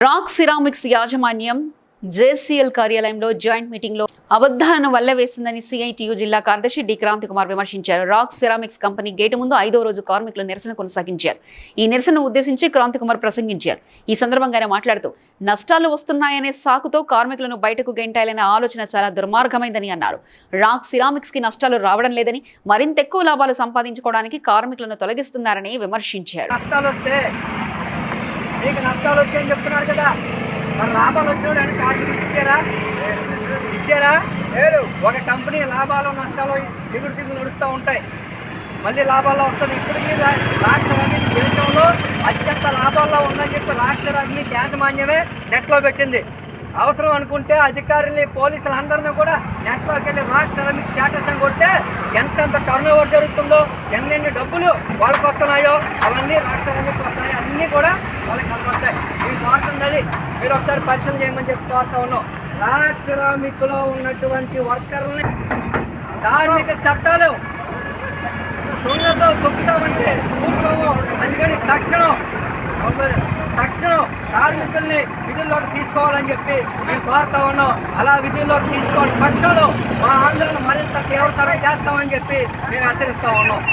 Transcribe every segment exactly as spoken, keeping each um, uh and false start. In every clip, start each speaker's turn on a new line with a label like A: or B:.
A: Rock ceramics యాజమాన్యం JCL కార్యాలయంలో joint meeting లో అబద్ధాలను వల్లవేసిందని సిఐటియు జిల్లా కార్యదర్శి డి క్రాంతి కుమార్ విమర్శించారు. రాక్ సిరామిక్స్ కంపెనీ గేటు ముందు ఐదో రోజు కార్మికులు నిరసన కొనసాగించారు. ఈ నిరసనను ఉద్దేశించి క్రాంతి కుమార్ ప్రసంగించారు. ఈ సందర్భంగా ఆయన మాట్లాడుతూ నష్టాలు వస్తున్నాయనే సాకుతో కార్మికులను బయటకు గెంటాలనే ఆలోచన చాలా దుర్మార్గమైందని అన్నారు. రాక్ సిరామిక్స్ కి నష్టాలు రావడం లేదని, మరింత ఎక్కువ లాభాలు సంపాదించుకోవడానికి కార్మికులను తొలగిస్తున్నారని విమర్శించారు.
B: మీకు నష్టాలు వచ్చాయని చెప్తున్నారు కదా, మరి లాభాలు వచ్చినాడు కార్మికులు ఇచ్చారా ఇచ్చారా లేదు. ఒక కంపెనీ లాభాలు నష్టాలు దిగుడు దిగులు నడుస్తూ ఉంటాయి, మళ్ళీ లాభాల్లో వస్తుంది. ఇప్పటికీ రాక్షరాగ్ని దేశంలో అత్యంత లాభాల్లో ఉందని చెప్పి రాక్షరాగ్ని యాజమాన్యమే నెట్లో పెట్టింది. అవసరం అనుకుంటే అధికారుల్ని పోలీసులు అందరినీ కూడా నెట్లోకి వెళ్ళి రాక్ సిరామిక్స్ స్టేటస్ అని కొడితే ఎంతెంత టర్న్ ఓవర్ జరుగుతుందో, ఎన్నెన్ని డబ్బులు వాళ్ళకి వస్తున్నాయో అవన్నీ రాక్ సిరామిక్స్ వస్తున్నాయి, అన్నీ కూడా వాళ్ళకి కనబడతాయి. ఈ కోరుతున్నది మీరు ఒకసారి పరిచయం చేయమని చెప్పి కోరుతా ఉన్నాం. రాక్ సిరామిక్లో ఉన్నటువంటి వర్కర్లని కార్మిక చట్టాలు దొంగతో దొక్కుతామంటే కూర్చోము. అందుకని తక్షణం తక్షణం కార్మికుల్ని విధుల్లోకి తీసుకోవాలని చెప్పి మేము కోరుతా ఉన్నాం. అలా విధుల్లోకి తీసుకోవాలి పక్షంలో మా ఆందోళన మరింత తీవ్రతరం చేస్తామని చెప్పి మేము హెచ్చరిస్తా ఉన్నాం.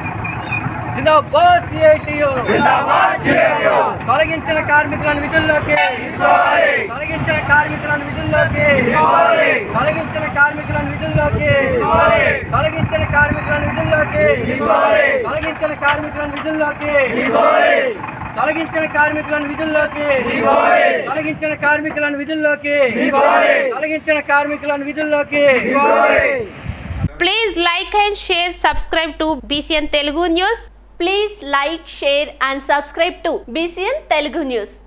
B: తొలగించిన కార్మికులను విధుల్లోకి తొలగించిన కార్మికులను విధుల్లోకి తొలగించిన కార్మికులను విధుల్లోకి తొలగించిన కార్మికులను విధుల్లోకి తొలగించిన కార్మికులను విధుల్లోకి తొలగించిన కార్మికులను విధుల్లోకి తొలగించిన కార్మికులను విధుల్లోకి తొలగించిన కార్మికులను విధుల్లోకి
C: Please like and share, subscribe to B C N Telugu News.
D: Please like, share and subscribe to B C N Telugu News.